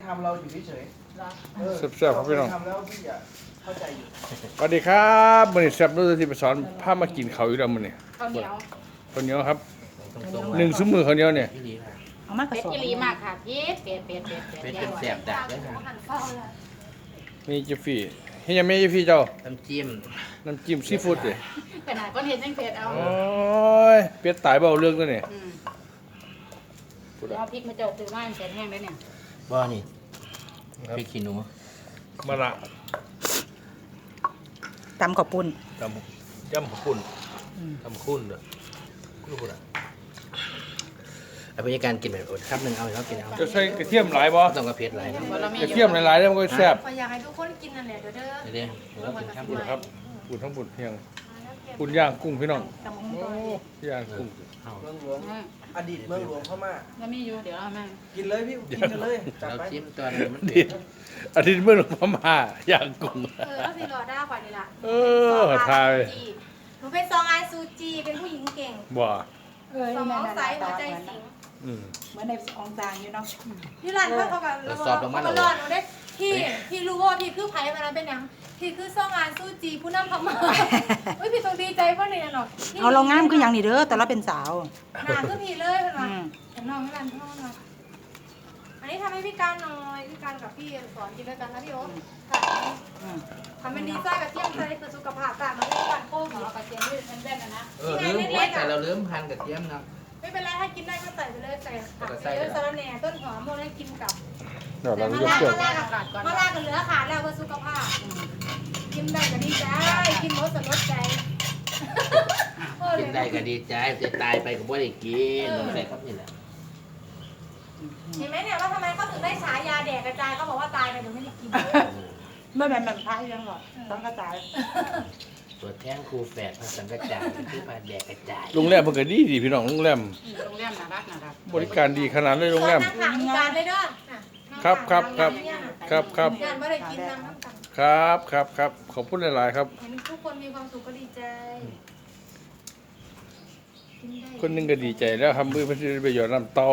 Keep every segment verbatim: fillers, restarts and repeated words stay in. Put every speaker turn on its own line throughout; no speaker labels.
ำเราอยู่เฉย
เหรอ
ๆเออ
แซ่บๆครับพี่น้อง
ทำแล้วพี่อ่ะเข้าใจอยู่
สวัสดีครับมื้อนี้แซ่บรู้ที่ไปสอนพามากินข้าวอยู่แล้วมื้อนี้
ข้าวเหนียว
ข้าวเหนียวครับ
ตรงๆ
หนึ่งซุ้มมือข้าวเหนียวเนี่ย
ที่ดีค่ะ
เอามากระ
เป็ด
สอบ
อีหลีมากค่ะพีดเป็ดเป็ดเป็ดเป็ด
เป็นเป็นแสบดักด้วยค่ะ
มีเจฟฟี่เฮ็ดยังไม่เจฟฟี่เจ้า
น้ำจิ้ม
น้ำจิ้มซีฟู้ดเด้
ขนาดก้อนเห็ดยังเผ็ดเอา
โอ้ยเป็ดตายเบาเรื่องตัวนี้
อืมเดี๋ยวเอาพริกมาเจาะซื้อมาให้เสร็จแห้งแล้วเนี่ย
บ่อนี่พริกขี้หนู
มาละ
ตำข้าวปุ้น
จำจำขอบคุณทำคุณเด้อคุณพูดอ่ะ
เอาไปการกินแบบอดครับหนึ่งเอาแล้วกินเอา
จะใส่กระเทียมหลายบ่
ต้องกระเพียดหลายนะ
เพราะเรามี
กระเทียมหลายๆแล้วมันก็แซ่บ
อยากให้ทุกคนกินนั่นแหละเด้อเด้อ
เดี๋ยวเดี๋ยวเรากินข้าว
บุ
บุ
ญ
ญ
ครับบุญทั้งบุญเพียงบุญย่างกุ้งพี่น้อง
ตำมะ
โอ้
ม่วง
ย่างกุ้ง
เอา
เมืองหลวงอดีตเมืองหลวงพม่า
แล้วมีอยู่เดี๋ยวเอามา
กินเลยพี่กินกันเลยจัด
เรา
ไป
จิ้มตัวนี้มัน
ดิอาทิตย์เมื่อหลวงพ่อมาย่างกุ้ง
เออก็สิรอได้กว่านี่ล่ะ
เออทาย
หนูเป็นซองไอซูจี เป็นผู้หญิงเก่ง
บ่
เออ
ส
นี่
มอง
นั่น
ใส
นั่น
หัวใจ
เหมือน
สิง
อืม
เหมือนในองซางอยู่เนาะ
ที่ร้านเขาเขาแบบเขาหลอดหนูได้พี่พี่รู้ว่าพี่คือไผ่มาแล้วเป็นยังพี่คือซองไอซูจีผู้นำพม่าเฮ้ยพี่ต้องดีใจเพราะเนี่ยเนาะ
เอาเรางามคืออย่างนี้เด้อแต่เราเป็นสาว
หนาคือพี่เลยเป็น
อื
ว่าม เห็นน้องที่ร้านพ่อเนาะอันนี้ทำให้พี่การหน่อยพี่การกับพี่สอนกินด้วยกันนะพี่โอ๊คค่ะ
อืม
ทำเป็นดีไซน์กับเทียมใจเพื่อสุขภาพต่างมาเล่นกันโค้ง
ขอ
เหรอ
กระเทียมด้วยแน่นๆนะนะ
เออลืมแต่เราลืมพันกระเทียมนะ
ไม่เป็นไรถ้ากินได้ก็ใส่ไปเลยใส่ผักเยอะสะระแหน่ต้นหอมพวกนั้นกินกับ
เดี๋ยว
แต่
เรา
มะ
จะ
ลา
เปิด
มะลากับมะลากับเหลือขาดแล้วเพื่อสุขภาพกินได้ก็ดีใจกินหมดสลดใจ
กินได้ก็ดีใจจะตายไปก็บ่ได้กินอะไรครับนี่แหละ
เห็นไหมเนี่ยว่าทำไมเขาถึงได้ฉายาแดกกระจายเขาบอกว่าตายไปเดี๋ยวไม่ได้กิน
ไม่แบบแบบพายยังหรอกต้องกระจาย
ตัวแท่งครูแฝดภาษากระจายคือปลาแดกกระจาย
โรงแรมมันก็ดีดีพี่น้องโรงแรม
โรงแรมน่ารักน่ารัก
บริการดีขนาดเลยโรงแรม
นั่งขางมีการได้ด้วย
ครับครับครับครับครับ
งานไม่ได้กินน้ำน้ำกัน
ครับครับครับขอบคุณหลายๆครับ
เห็นทุกคนมีความสุขก็ดีใจ
คนหนึงก็ดีใจแล้วทำมือเพื่อจะได้ไปหยอดน้ำเตา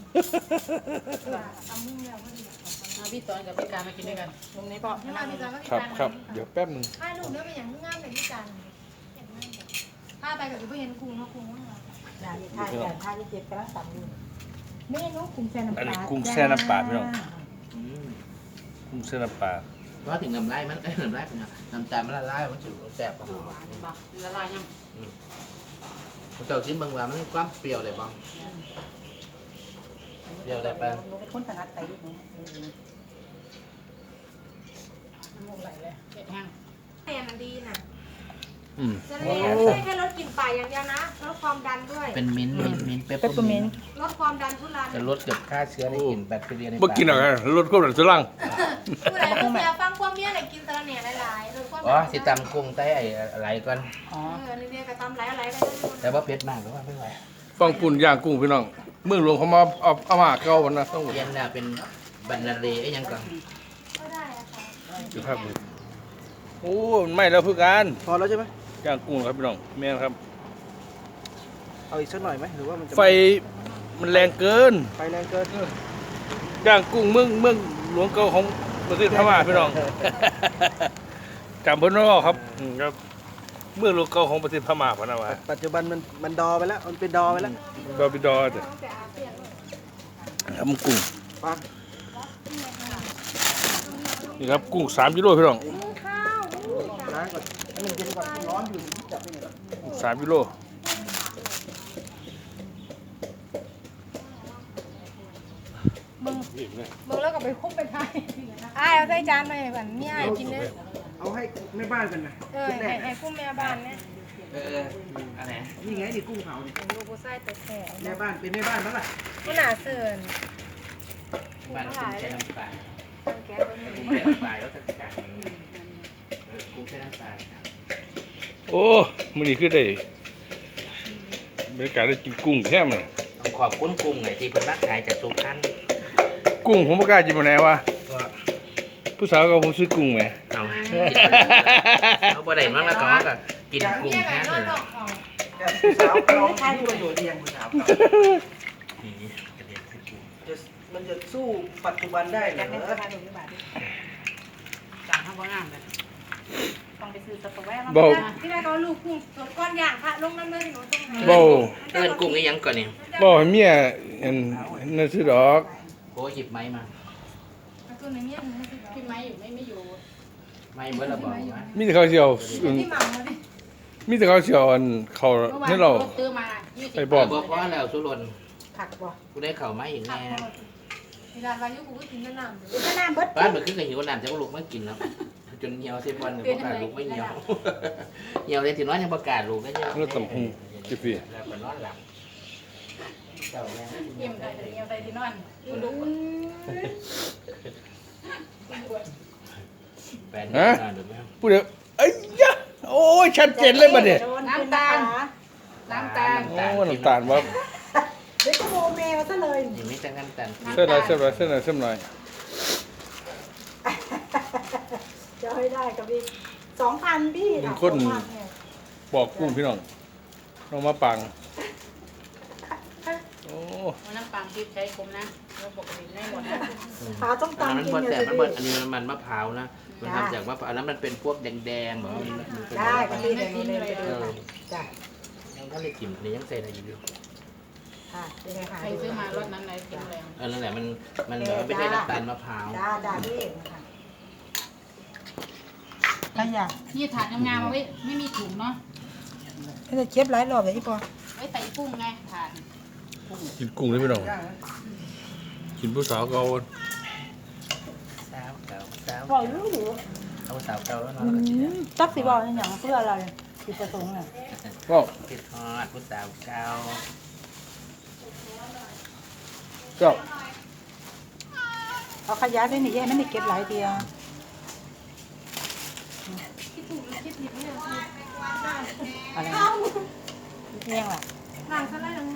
ทำมุ่งแล้วก็ดี
เอาพี่ตอนกับพี่การมากินด้วยกัน
ตรงนี้พ่อ
ที่มาดีใจก็ดี
ครับครับเดี๋ยวแป๊บหนึง
ให้ลูกเนื้อเป็นอย่างงามเลยพี่จันถ้าไปกับพี่เห็นกุ้งเขากุ้งว่า
อย่าอย่าทายอย่าทายจะเจ็บกระลังต่ำอยู่เมนูกุ้งแซ่น้ำป
อัน
ลา
นี้กุ้งแช่น้ำปลาพี่น้อง
อืม
กุ้งแช่น้ำปลา
เพราะถึงน้ำลายมันเอ้ยน้ำลายเป็นไงน้ำตาลมันละลายมันจะแสบปะ
หวานบ่ละลายยัง
เจ้าชิ้นบางว่ามันความเปรี้ยวเลยบ้างเปรี้ยวได้ปะ
หนูเป็นคนถนัดไตหนู
น้ำมูกไหลเลยเผ็ดแห้ง
แน่มันดีนะ
อืม
จะไม่ไม่แค่ลดกลิ่นปากอย่างเดียวนะลดความดันด้วย
เป็นมิ้นท์มิ้นท์มิ้นท์เปป
เปปเปอร์เมนต์
ลดความดันทุรัน
จะลดเกือบฆ่าเชื้อในกลิ่นแบคทีเรียในปาก
เมื่อกินอะไรรถควบหลังสลัง
ผู้ใดผู้เสียฟังความเบี้ยไหนกินสะระแหน่หลายๆลดความ
อ๋อ
ดัน
สิตำกุ้งใต้ไอ้อะไรก่อน
อ๋อ
เออนี่เนี่ยกระตำหลายอะไรไป
แต่ว่าเผ็ดมากก็ว่าไม่ไหว
ฟังปุ่นย่างกุ้งพี่น้องเมืองหลวงเขามาเอาเอามาเก่าวันนะต้อง
เย็นน่ะเป็นบรรณาเรไอ้ยังก่อน
ก็ได้อะค่ะ
สุภาพบุรุษโอ้มันไหม่แล้วเพื่อการ
พอแล้วใช่ไหม
ย่างกุ้งครับพี่น้องแม่นครับ
เอาอีกสักหน่อยไหมหรือว่ามันจะ
ไฟมันแรงเกิน
ไฟแรงเกิน
ย่างกุ้งเมืองเมืองหลวงเก่าของประเทศพม่าพี่น้อง จำเพิ่นว่าครับอืมครับเมืองหลวงเก่าของประเทศพม่าพะนะว่า
ปัจจุบันมันมันดอไปแล้วมันเป็นดอไปแล้ว
ดอบิดอจ้ะ
ตั้งแต่อาเซียน
ทำกุ้ง
ปัง
นี่ครับกุ้งสามกิโลพี่น้อง
ข้าว
ล้างก่อนให้มันเย็นก่อนมันร้อนอยู่จับไปหน่อย
กุ้งสามกิโล
มึงมึงแล้วก็ไปคุบไปไทยอ้ายเอาใส่จานมาให้บันนี่อ้ายกินเนี่ย
เอาให้แม่บ้านกันนะ
เออให้ให้กุ้งแม่บ้านเนี่ย
เอออะไร
นี่ไงนี่กุ้งเผาเนี่ย
ดูกูใส่แต่แต่
แม่บ้านเป็นแม่บ้านมั้งล่ะ
กูหนาเสื่อนกุ้ง
บ้าน
ห
กุ้
ลาง ย
ใช้น้ำปลา
แกเป็น
กุ้งใช้น้ำปลาแล้วจัดการเออกุ้งใช้น้ำปลา
โอ้มื้อนี้คือได้บรรยากาศได้กินกุ้งแท้มัน
ต้องขอบคุณกุ้งไงที่เพิ่นรักขายจากสุพรรณ
กุ้งผมบ่กล้ากินบ่แน่ว่า
ก็
ผู้สาวก็ผมซื้อกุ้งแหม
เอาเอาบ่ได้มั้งแล้วก็ก็กินกุ้ง
เนี่ยไง
แท้
น
เล
อน
ย
หลอกของ
แกผู้สาวเราที่ประโยชน์เรียงผู้สาวเรา
นี่กระเด็นใส่กุ้ง
จะมันจะสู้ปัจจุบันได้เหร
อยากได้
อ
ราคาหนึ่งบาท
จางข้าวบ้างเลยต้องไปซื้อสต๊อกแวะมา
เบา
ที่แรกเขาลูกกุ้งตัวก้อนอย่างค่ะลงน้ำเลือดหนูตรงไหน
เบา
เอิ้นกุ้งอีหยังก่อนนี่
เบาให้เมียอันนั่นสิดอก
โอ้หยิบไม้มา
ตัวไหนเนี่ยหนูไม่ติด
พี่ไม้อยู่ไม่ไม่อยู่
ไม้เบิ่ละบอกว่า
มีแต่เขาเสียวอัน
ที่หมาดิ
มีแต่เขาเสียวอันเขา
เมื่อวาน
ให้เรา
ซื้อมายี่สิบ
ไอ้บอม
บอกว่าแล้วสุรน
ผักบ่
กูได้เข่าไม้อีก
ขับ
แน่
หมดเวลาเรายุกูก็กินแต่น้ำ
ดูขนาดเบิด
บ้านมันขึ้นกับหิวน้ำจะลูกไม่กินแล้วจนเหี่ยวเสียวันประกาศลูกไม่เหี่ยวเหี่ยวเลยถึงน้อยยังประกาศลูกก็เหี่ยว
แล้วตำหูจิฟี
แล้วก็นอนหลับเจ้าแม่
เยี่ยมได้เยี่ยมได้ที่นอนดูดู
แฟนนอนดูไหม
พูดเดี๋ยวเอ้ยยะโอ้ยชัดเจนเลยบัดเนี่ย
น้ำตาลน้ำตาล
โอ้น้ำตาลว่า
เดี๋ยวจะโมเมลซะเลย
ยังไม่จังน้ำตาล
เส้นอะไรเส้นอะไรเส้นอะไรเส้นอะไร
จะให้ได้กับพี่สองพันพี่
บอกกุ้งพี่น้องน้องมาปังโอ้
น้ำปังที่ใช้คุมนะแล้วปกติไม่หมดนะ
หาต้องตาม
มัน
กิน
บด
เนี่
แต่
ย
มันบด
สิ
อันนี้มันมะพร้าวนะมันทำจากมะพร้าวแล้วมันเป็นพวกแดงๆแบบว่ามันเป็น
ได้กับพี่เดี๋ยวหนูเดินไปดู
เออ
จ้ะ
ยังก็เลยกินนี่ยังใส่อะไรอยู่
ค่ะเป็นไงคะ
ใครซื้อมารถนั้นไหนกินแรง
เออนั่นแหละมันมันแบบว่าไม่ใช่น้ำตาลมะพร้าว
จ้าจ้าพี่ค่ะถ้าอยาก
นี่ถาดงามๆเอาไว้ไม่มีถุงเนาะ
จะเก็บหลายรอบเลยพี่ปอ
ไว้ใส่กุ้งไงถาด
กินกุ้งเลยพี่น้องกินผู้สาวเก่า
สาวเก่าสาว
บอกรู้อยู่
เอาสาวเก่าแล้ว
อื
เนาะ
มจักสิบอกอย่างเพื่ออะไรจุดประสงค์เนี่ย
ก็
คิดฮอดผู้สาวเก่า
ก็
เอาขยะได้หนิแย่ไม่ได้เก็บหลายเดียว
คิดถูกหรือคิดผิดเนี่ย
อะไรเที่ยงล่ะ
หลังซะแล้วยัง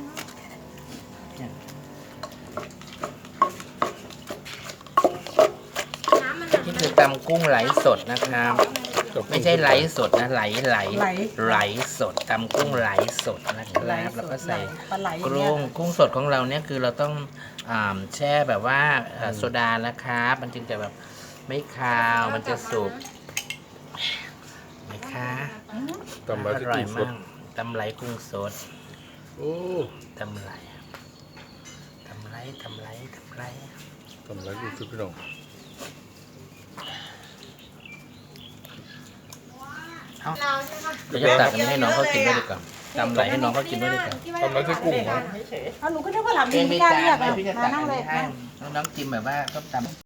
น้ำมันหนัก
นี่คือตำกุ้งไหลสดนะครับ ไม่ใช่ไหลสดนะไหลไหลไหลสดตำกุ้งไหลสดนะครับแล้วก็ใส่
ปลาไหล
กุ้งกุ้งสดของเราเนี่ยคือเราต้องอ่าแช่แบบว่าเอ่อโซดานะครับมันจึงจะแบบไม่คาวมันจะสุกไหมคะ
ตำไร
อ
ที่
ร่อย
กุ้งส
มา
ด
กตำไหลกุ้งสด
โอ้
ตำไหลตำไหลตำไหลตำไหล
ตำไรกุ้งสดพี่น้อง
เราใช่ไหม
เดี๋ยวจะตักอันนี้ให้น้องเขากินด้วยดีกว่าตำไหลให้น้องเขากินด้วยดีกว่า
ตำไรที่กุ้งเหรอ
เอาหนูก็นึกว่าหลับ
เอ
ดี
ง
ไม่
ไม่
กล้า
จ่าย
เรียก
ไม่
อ่ะ
พี่จะ
มา
ตัก
นั่
อั
ง
น
เลย
นี้ให้น้องๆจิ้มแบบว่าต้มตำ